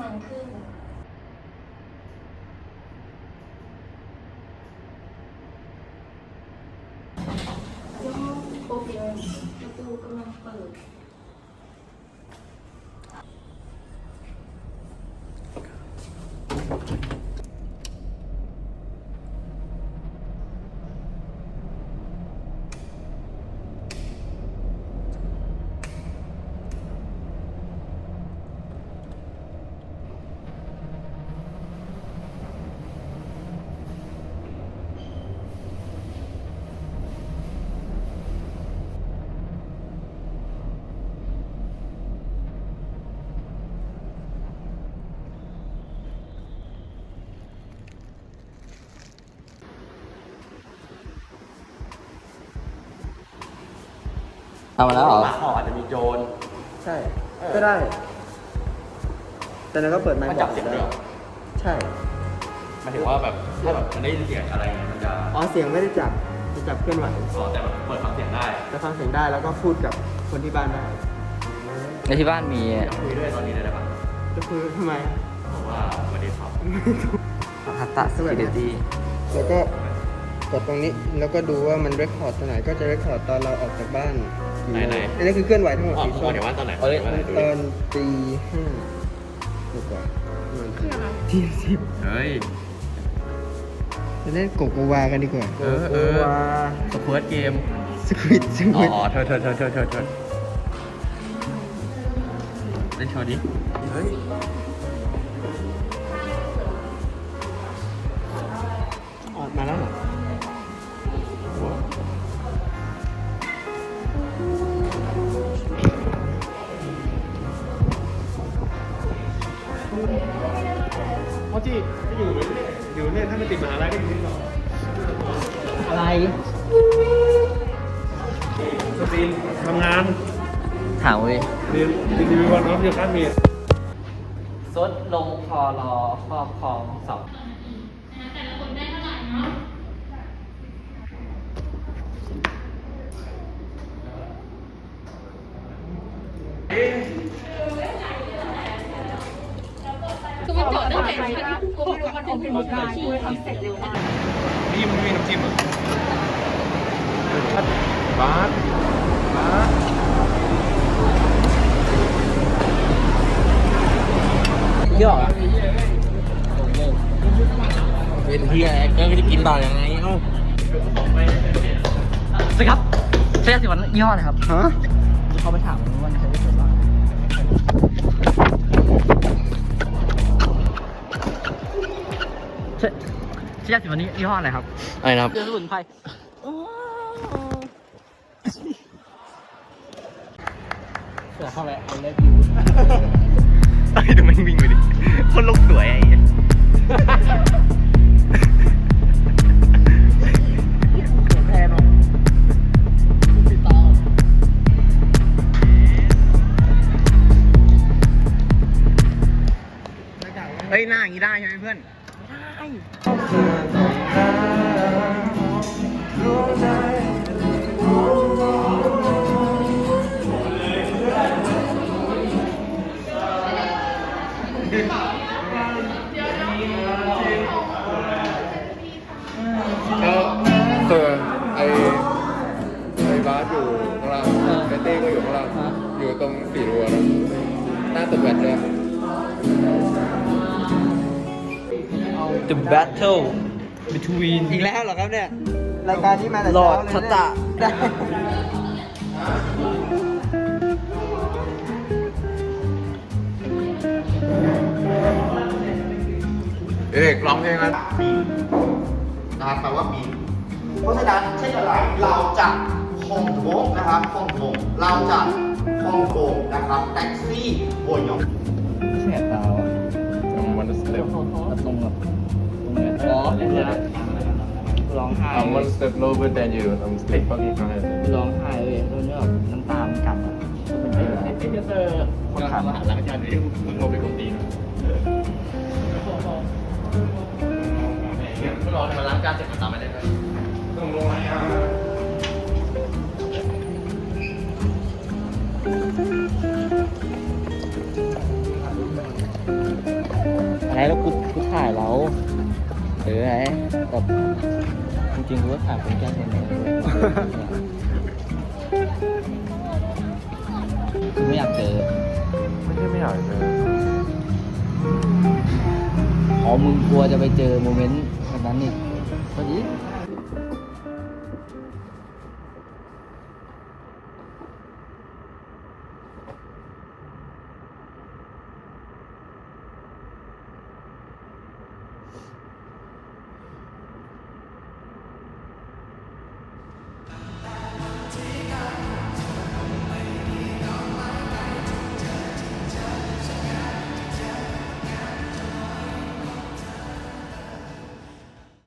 งครึ่งย่อโปรเปียประตูกำลังเปิดทำมาแล้วเหรอหลังหออาจจะมีโจรใช่ก็ได้ แต่เราก็เปิดไมค์มันบจัอบ กเสียงได้ด้วยเหรอใช่หมายถึงว่าแบบถ้าแบบมันได้ยินเสียงอะไรเงี้ยมันจะอ๋อเสียงไม่ได้จับจะจับเคลื่อนไหวอ๋อแต่แบบเปิดฟังเสียงได้จะฟังเสียงได้แล้วก็พูดกับคนที่บ้านได้ในที่บ้านมีจะคุยด้วยตอนนี้ได้ไหมครับก็คือทำไมบอกว่าสวัสดีครับฮัตตะสกิลิตี้แล้วก็กดตรงนี้แล้วก็ดูว่ามันเรคคอร์ดตอนไหนก็จะเรคคอร์ดตอนเราออกจากบ้านกี่โมงอันนี้คือเคลื่อนไหวทั้งหมดอ๋อกี่ผมช่วงเดี๋ยวว่าตอนไหนตอนตีห้าดีกว่าตีสิบเฮ้ยจะเล่นโกโกวากันดีกว่าเออสเปิร์ตเกมสควิดอ๋อเธอเล่นโชว์ดิเฮ้ยออกมาแล้วเหรอเพราะที่อยู่เนี่ยถ้ามันติดมหาลัยก็อยู่ที่ต่ออะไรสตรีมทำงานถามเว้ยเรียนรีวิววันน้องอยู่ข้างเมียซดลงคอรอครอบครองสองแต่ละคนได้เท่าไหร่เนาะคือมันจอดตั้งแต่ชั้นกูไม่รู้มันเป็นมุกอะไรที่ทำเสร็จเร็วมากนี่มันมีน้ำจิ้มเหรอบาสเยอะเป็นเฮียก็จะกินต่อยังไงเอ้าสวัสดีครับเสื้อสีวันยี่ห้ออะไรครับฮะเขาไปถามว่าใช้ได้ผลบ้างเสื้อสีวันนี้ยี่ห้ออะไรครับอะไรนะครับเสื้อสมุนไพรเสือเข้าไปเอาเล็บอยู่ไอ้ดูมันวิ่งไปดิคนลกสวยไอ้เหี้ยแทนหรอติดต่อเฮ้ยหน้าอย่างนี้ได้ใช่ไหมเพื่อนคือไอ้บาสอยู่ข้างล่างไอ้เต้ก็อยู่ข้างล่างอยู่ตรงสี่รั้วนะหน้าตึกแบตเลย The battle between อีกแล้วเหรอครับเนี่ย รายการนี้มาแต่หลอเช้าดเลยทัตตะได้เด็กร้องเพลงนะนะครับแปลว่ามีเพราะฉะนั้นเช่นอะไรเราจะฮ่องกงนะครับฮ่องกงเราจะฮ่องกงนะครับแท็กซี่โวยองแสบตาอ่ะมันสเต็ปตรงแบบตรงเนี้ยอ๋อเนี่ยร้องไห้มันสเต็ป lower than you I'm step fucking high ร้องไห้เลยตรงนี้แบบน้ำตามันกัดอ่ะเป็นไงไอ้เจอคนขับมาหลังจากนี้มึงลงไปกดตีนมึงรอให้มาล้างจานเสร็จมันตามไม่ได้เลยต้องลงมาช่แล้วกูถ่ายเราไงแต่จริงๆกูก็ถ่ายเป็นแค่คนเดียวคือไม่อยากเจอไม่ใช่ไม่อยากเจออ๋อมึงกลัวจะไปเจอโมเมนต์แบบนั้นอีกพอดี